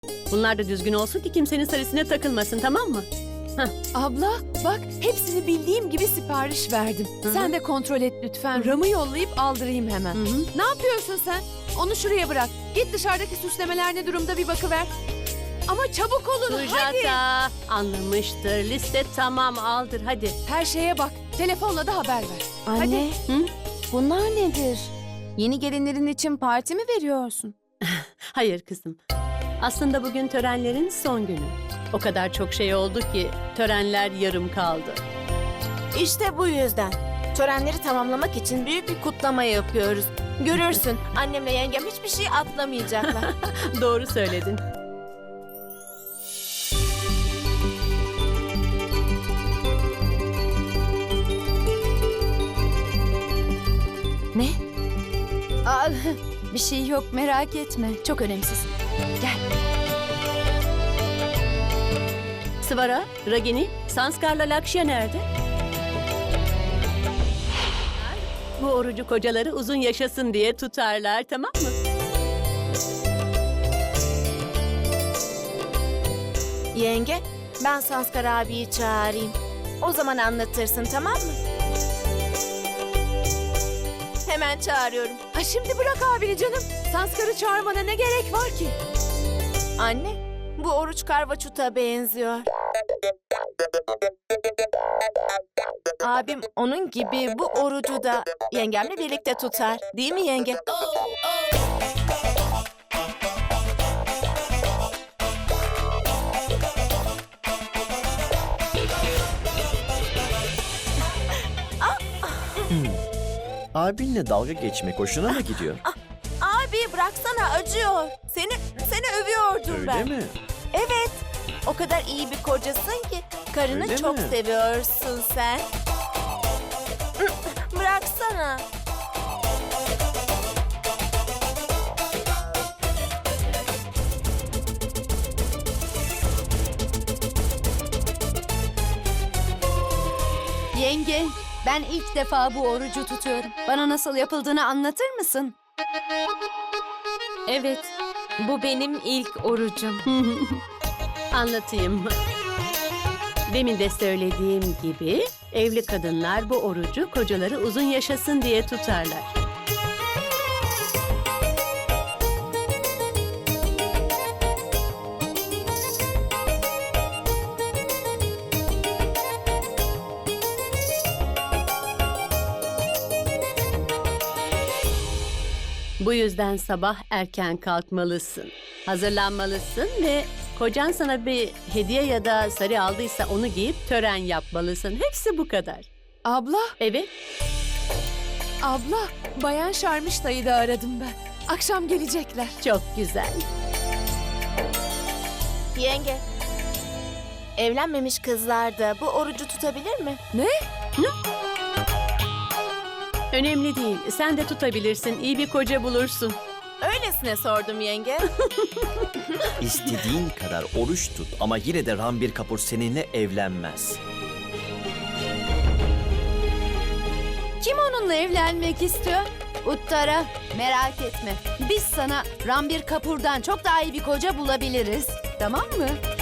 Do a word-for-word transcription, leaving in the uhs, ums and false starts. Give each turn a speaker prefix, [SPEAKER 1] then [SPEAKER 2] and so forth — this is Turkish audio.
[SPEAKER 1] Bunlar da düzgün olsun ki kimsenin sarısına takılmasın, tamam mı?
[SPEAKER 2] Abla bak hepsini bildiğim gibi sipariş verdim.
[SPEAKER 1] Hı-hı.
[SPEAKER 2] Sen de kontrol et lütfen. Ram'ı yollayıp aldırayım hemen.
[SPEAKER 1] Hı hı.
[SPEAKER 2] Ne yapıyorsun sen? Onu şuraya bırak. Git dışarıdaki süslemeler ne durumda bir bakıver. Ama çabuk olun hadi.
[SPEAKER 1] Sujata anlamıştır. Liste tamam, aldır hadi.
[SPEAKER 2] Her şeye bak. Telefonla da haber ver.
[SPEAKER 3] Anne,
[SPEAKER 1] Hı?
[SPEAKER 3] bunlar nedir? Yeni gelinlerin için parti mi veriyorsun?
[SPEAKER 1] Hayır kızım. Aslında bugün törenlerin son günü. O kadar çok şey oldu ki törenler yarım kaldı.
[SPEAKER 4] İşte bu yüzden. Törenleri tamamlamak için büyük bir kutlama yapıyoruz. Görürsün, annemle yengem hiçbir şey atlamayacaklar.
[SPEAKER 1] Doğru söyledin.
[SPEAKER 3] Ne? Aa, bir şey yok, merak etme. Çok önemsiz. Gel.
[SPEAKER 1] Svara, Ragini, Sanskar'la Lakşya nerede? Bu orucu kocaları uzun yaşasın diye tutarlar, tamam mı?
[SPEAKER 4] Yenge, ben Sanskar abiyi çağırayım. O zaman anlatırsın, tamam mı? Hemen çağırıyorum.
[SPEAKER 2] Ha şimdi bırak abini canım. Sanskar'ı çağırmana ne gerek var ki?
[SPEAKER 4] Anne, bu oruç karvaçuta benziyor. Abim onun gibi bu orucu da yengemle birlikte tutar. Değil mi yenge?
[SPEAKER 5] Abinle dalga geçmek hoşuna mı gidiyor?
[SPEAKER 4] Abi bıraksana, acıyor. Seni seni övüyordum
[SPEAKER 5] Öyle
[SPEAKER 4] ben.
[SPEAKER 5] mi?
[SPEAKER 4] Evet. O kadar iyi bir kocasın ki karını
[SPEAKER 5] Öyle
[SPEAKER 4] çok
[SPEAKER 5] mi?
[SPEAKER 4] seviyorsun sen. Bıraksana.
[SPEAKER 3] Yenge, ben ilk defa bu orucu tutuyorum. Bana nasıl yapıldığını anlatır mısın?
[SPEAKER 1] Evet,
[SPEAKER 4] Bu benim ilk orucum.
[SPEAKER 1] anlatayım. Demin de söylediğim gibi evli kadınlar bu orucu kocaları uzun yaşasın diye tutarlar. Bu yüzden sabah erken kalkmalısın. Hazırlanmalısın ve kocan sana bir hediye ya da sarı aldıysa onu giyip tören yapmalısın. Hepsi bu kadar.
[SPEAKER 2] Abla,
[SPEAKER 1] Evet,
[SPEAKER 2] abla. Bayan Şarmışta'yı da aradım ben. Akşam gelecekler.
[SPEAKER 1] çok güzel.
[SPEAKER 4] Yenge. Evlenmemiş kızlar da bu orucu tutabilir mi?
[SPEAKER 1] Önemli değil. Sen de tutabilirsin. İyi bir koca bulursun.
[SPEAKER 4] Öylesine sordum yenge.
[SPEAKER 5] İstediğin kadar oruç tut ama yine de Ranbir Kapoor seninle evlenmez.
[SPEAKER 3] Kim onunla evlenmek istiyor? Uttara, merak etme. Biz sana Ranbir Kapoor'dan çok daha iyi bir koca bulabiliriz. Tamam mı?